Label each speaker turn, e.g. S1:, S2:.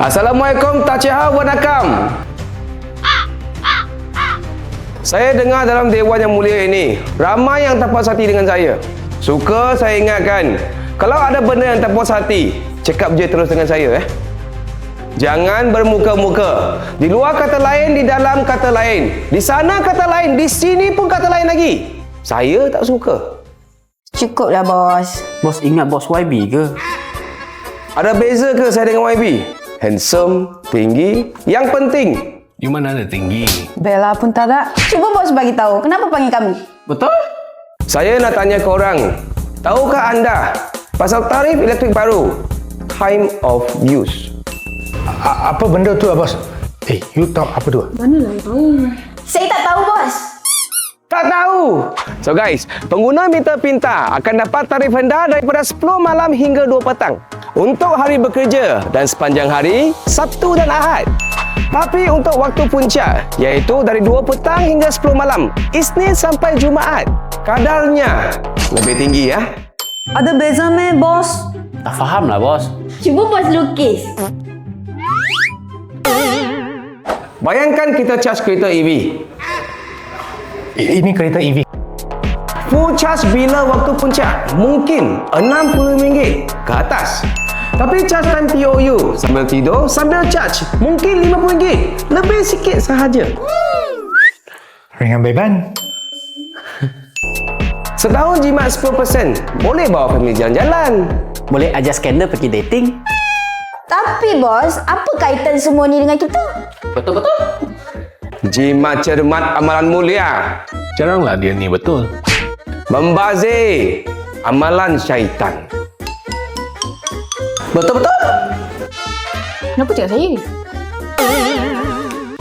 S1: Assalamualaikum, Tachiha Wanakam. Saya dengar dalam Dewan yang mulia ini, ramai yang tak puas hati dengan saya. Suka saya ingatkan, kalau ada benda yang tak puas hati, cakap je terus dengan saya. Jangan bermuka-muka. Di luar kata lain, di dalam kata lain. Di sana kata lain, di sini pun kata lain lagi. Saya tak suka.
S2: Cukuplah, bos.
S3: Bos ingat bos YB ke?
S1: Ada beza ke saya dengan YB? Handsome, tinggi. Yang penting,
S4: You mana ada tinggi?
S2: Bella pun tak ada. Cuba bos bagi tahu, kenapa panggil kami?
S3: Betul?
S1: saya nak tanya korang. Tahukah anda pasal tarif elektrik baru? Time of use.
S5: Apa benda tu, bos? You tahu apa tu?
S2: Saya tak tahu, bos.
S1: Tak tahu. So guys, pengguna meter pintar akan dapat tarif rendah daripada 10 malam hingga 2 petang untuk hari bekerja dan sepanjang hari, Sabtu dan Ahad. Tapi untuk waktu puncak, iaitu dari 2 petang hingga 10 malam, Isnin sampai Jumaat, kadarnya lebih tinggi ya.
S2: Ada beza meh, bos?
S3: Tak faham lah bos.
S2: Cuba bos lukis.
S1: Bayangkan kita charge kereta EV.
S5: Ini kereta EV.
S1: Full charge bila waktu puncak mungkin RM60 ke atas. Tapi charge time POU sambil tidur, sambil charge mungkin RM50. Lebih sikit sahaja.
S5: Ringan beban.
S1: Setahun jimat 10%, boleh bawa family jalan-jalan.
S3: Boleh ajar skandal pergi dating?
S2: Tapi, bos, apa kaitan semua ni dengan kita?
S3: Betul-betul.
S1: Jimat cermat amalan mulia.
S4: Jaranglah dia ni betul.
S1: Membazir amalan syaitan.
S3: Betul-betul.
S2: Kenapa cakap saya?